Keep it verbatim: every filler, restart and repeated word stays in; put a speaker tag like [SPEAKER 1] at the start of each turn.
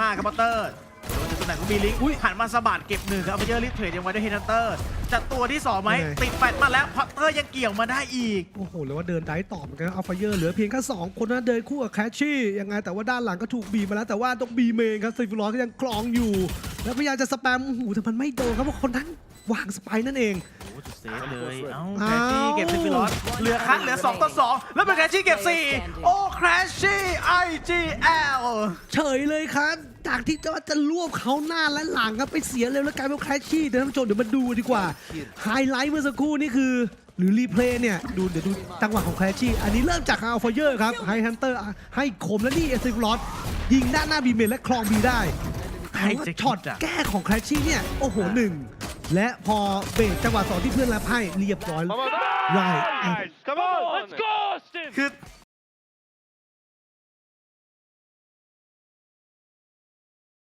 [SPEAKER 1] ากครับพัตเตอร์โดนจากตำแหน่งของบีลิงหันมาสะบัดเก็บหนึ่งครับเอาไปเจอลิฟเทรดยังไว้ด้วยเฮนันเตอร์จัดตัวที่สองไหมติดแฟดมาแล้วพัตเตอร์ยังเกี่ยวมาได้อีก
[SPEAKER 2] โอ้โหแล้วว่าเดินได้ต่อเหมือนกันอัลฟาเยอร์เหลือเพียงแค่สองคนนะเดินคู่กับแคชชี่ยังไงแต่ว่าด้านหลังก็ถูกบีบมาแล้วแต่ว่าต้องบีเมนครับซิฟิลอสก็ยังคลองอยู่แล้วพยายามจะสแปมโอ้โหแต่มันไม่โดนครับเพราะคนนั้นวางสไปนั่นเอง
[SPEAKER 1] โอ้จุดเซฟเลยเอ้าแคชชี่เก็บซิฟิลอสเหลือคัดเหลือสองต่อสองแล้วเป็นแคชชี่เก็บสี่โอ้แคชชี่ ไอ จี แอล
[SPEAKER 2] เฉยเลยครับจากที่จะว่าจะรวบเขาหน้าและหลังครับไปเสียเร็วแล้วกลายเป็นแคชชี่เดี๋ยวท่านผู้ชมเดี๋ยวมาดูดีกว่าไฮไลท์เมื่อสักครู่นี่คือหรือรีเพลย์เนี่ยดูเดี๋ยวดูจังหวะของแคชชี่อันนี้เริ่มจากอัลฟาเยอร์ครับไฮฮันเตอร์ให้คมแล้วนี่เอซิฟลอสยิงด้านหน้าบีเมนและคลองบีได้แต่ว่าช็อตแก้ของแคชชี่เนี่ยโอ้โหหนึ่งและพอเบรกจังหวะสองที่เพื่อนรับให้เรียบร้อยไร
[SPEAKER 1] คือ